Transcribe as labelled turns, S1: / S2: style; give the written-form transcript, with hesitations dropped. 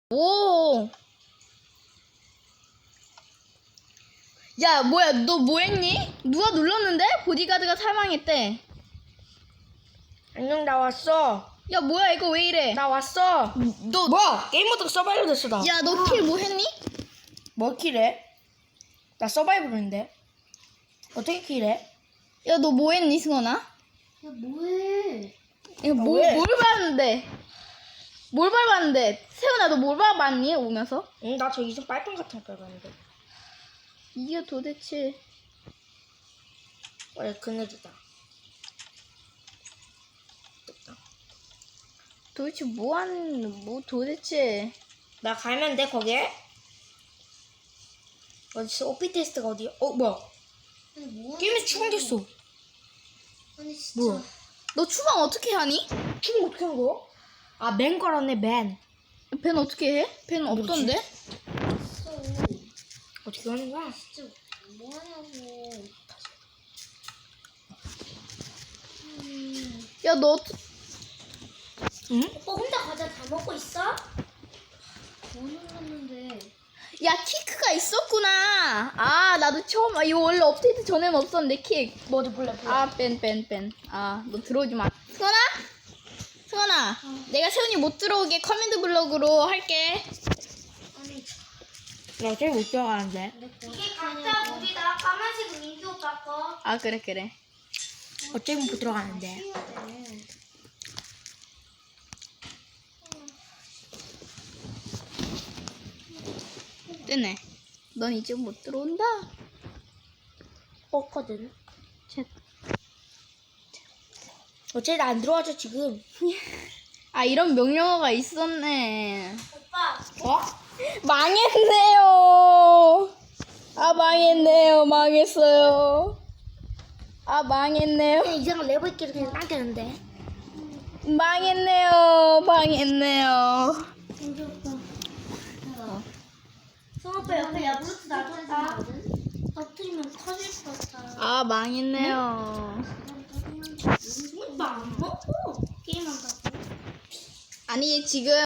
S1: 오. 야, 뭐야, 너 뭐 했니? 누가 눌렀는데? 보디가드가 사망했대.
S2: 안녕, 나 왔어.
S1: 야, 뭐야, 이거 왜 이래?
S2: 나 왔어.
S1: 너,
S2: 뭐야? 게임 모드가 서바이벌 됐어, 나.
S1: 야, 너 킬 뭐 했니?
S2: 뭐 킬해? 나 서바이벌인데. 어떻게 킬해?
S1: 야, 너 뭐 했니, 승원아?
S3: 야, 뭐해?
S1: 야,
S2: 왜?
S1: 뭘 봤는데? 뭘 밟았는데? 세훈아, 너 뭘 밟았니, 오면서?
S2: 응, 나 저 이승 빨판 같은 거 밟았는데.
S1: 이게 도대체.
S2: 그래, 그네드다. 됐다.
S1: 도대체 뭐 도대체.
S2: 나 가면 돼, 거기에? 어딨어? 오피 테스트가 어디야? 뭐야?
S3: 아니, 뭐
S2: 게임에서 추방됐어.
S3: 아니, 진짜.
S2: 뭐야?
S1: 너 추방 어떻게 하니?
S2: 추방 어떻게 한 거야? 아, 맨 걸었네, 맨.
S1: 벤 어떻게 해? 벤
S2: 모르지.
S1: 없던데?
S3: 진짜.
S2: 어떻게 하는 거야?
S3: 진짜 뭐 하냐고.
S1: 야, 너
S2: 응?
S3: 오빠 혼자 과자 다 먹고 있어? 뭐 눌렀는데.
S1: 야, 키크가 있었구나. 아, 나도 처음, 이거 원래 업데이트 전에는 없었는데, 킥.
S2: 뭐 어디 볼래?
S1: 아, 뺀. 아, 너 들어오지 마. 승원아, 내가 세훈이 못 들어오게 커맨드 블럭으로 할게.
S3: 아니,
S2: 나 제일 못 들어가는데.
S3: 이게 각자 물이다. 까만색은 민규 오빠 거.
S1: 아, 그래.
S2: 어차피 못 들어가는데.
S3: 해야 돼.
S1: 뜨네. 넌 이제 못 들어온다.
S2: 뻗거든.
S1: 쳇.
S2: 어차피 나 안 들어와줘, 지금.
S1: 아, 이런 명령어가 있었네.
S3: 오빠,
S2: 어?
S1: 망했네요. 아, 망했어요. 아, 망했네요.
S2: 그냥 이상한 레버끼리 그냥 당겼는데.
S1: 망했네요.
S3: 민규 오빠. 성 오빠 옆에 야구르트 놔뒀다. 터뜨리면 터질 것 같아.
S1: 아, 망했네요.
S3: 오빠 안 먹고 게임한다고?
S1: 아니, 지금